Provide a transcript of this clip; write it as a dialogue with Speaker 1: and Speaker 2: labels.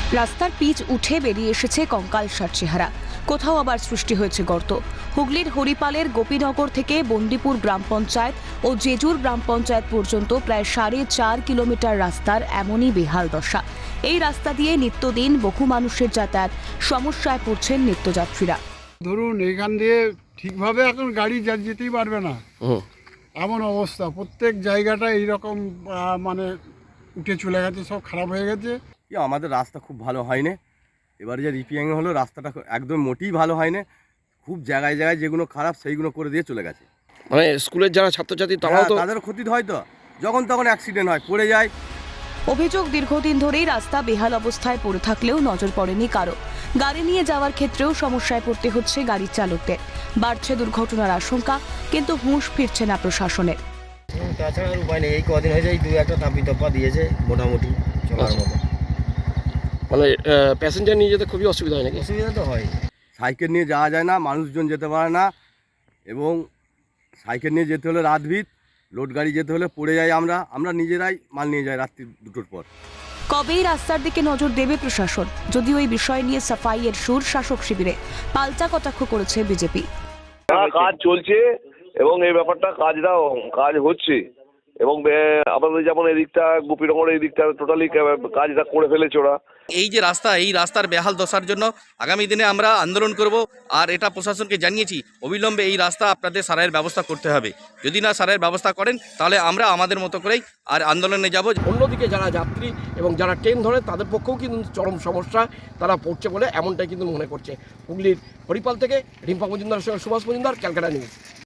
Speaker 1: রাস্তার পিচ উঠে বেরিয়ে এসেছে কঙ্কালসার চেহারা, কোথাও আবার সৃষ্টি হয়েছে গর্ত। হুগলির হরিপালের গোপীনগর থেকে বন্দিপুর গ্রাম পঞ্চায়েত ও জেজুর গ্রাম পঞ্চায়েত পর্যন্ত প্রায় 4.5 কিলোমিটার রাস্তার এমনই বেহাল দশা। এই রাস্তা দিয়ে নিত্যদিন বহু মানুষের যাতায়াত, সমস্যায় পড়ছেন নিত্যযাত্রীরা।
Speaker 2: ধরুন এখান দিয়ে ঠিকভাবে এখন গাড়ি যেতেই পারবে না, এমন অবস্থা। প্রত্যেক জায়গাটা এইরকম মানে উঠে চলে গেছে, সব খারাপ হয়ে গেছে।
Speaker 3: আমাদের রাস্তা খুব ভালো হয়নি। এবারে যে রিপেয়ারিং হলো, রাস্তাটা একদম মোটেই ভালো হয়নি। খুব জায়গায় জায়গায় যেগুলো খারাপ সেইগুলো করে দিয়ে চলে গেছে।
Speaker 4: মানে স্কুলের যারা ছাত্রছাত্রী তারাও তো
Speaker 3: তাদের ক্ষতি হয়, তো যখন তখন অ্যাক্সিডেন্ট হয়, পড়ে যায়।
Speaker 1: অভিযোগ, দীর্ঘদিন ধরেই রাস্তা বেহাল অবস্থায় পড়ে থাকলেও নজর পড়েনি কারো। গাড়ি নিয়ে যাওয়ার ক্ষেত্রেও সমস্যায় পড়তে হচ্ছে গাড়ির চালকদের। বাড়ছে দুর্ঘটনার আশঙ্কা, কিন্তু হুঁশ ফিরছে না প্রশাসনের।
Speaker 5: তাছাড়া আর উপায় নেই, এই কদিন হয়ে যায় 2-1টা তাপ্পা দিয়েছে মোটামুটি চলার মতো।
Speaker 4: মানে প্যাসেঞ্জার নিয়ে যেতে খুবই অসুবিধা হয় নাকি?
Speaker 5: অসুবিধা তো হয়।
Speaker 3: সাইকেল নিয়ে যাওয়া যায় না, মানুষজন যেতে পারে না, এবং সাইকেল নিয়ে যেতে হলে রাতভিত, লোড গাড়ি যেতে হলে পড়ে যাই। আমরা নিজেরাই মাল নিয়ে যাই রাত্রি 2টোর পর।
Speaker 1: কবেই রাস্তার দিকে নজর দেবে প্রশাসন? যদিও এই বিষয় নিয়ে সাফাইয়ের সুর শাসক শিবিরে, পাল্টা কটাক্ষ করেছে বিজেপি।
Speaker 6: কাজ চলছে এবং এই ব্যাপারটা কাজ হচ্ছে, এবং আমাদের যেমন এই দিকটা গোপীনগর এই দিকটা টোটালি কাজটা করে ফেলেছে ওরা।
Speaker 7: এই যে রাস্তা, এই রাস্তার বেহাল দশার জন্য আগামী দিনে আমরা আন্দোলন করব, আর এটা প্রশাসনকে জানিয়েছি অবিলম্বে এই রাস্তা আপনাদের সারাইয়ের ব্যবস্থা করতে হবে। যদি না সারাইয়ের ব্যবস্থা করেন তাহলে আমরা আমাদের মতো করেই আর আন্দোলনে যাব।
Speaker 4: অন্যদিকে যারা যাত্রী এবং যারা ট্রেন ধরে তাদের পক্ষেও কিন্তু চরম সমস্যা তারা পড়ছে বলে এমনটাই কিন্তু মনে করছে। হুগলির হরিপাল থেকে রিম্পা মজুমদার, সুভাষ মজুমদার, ক্যালকাটা নিউজ।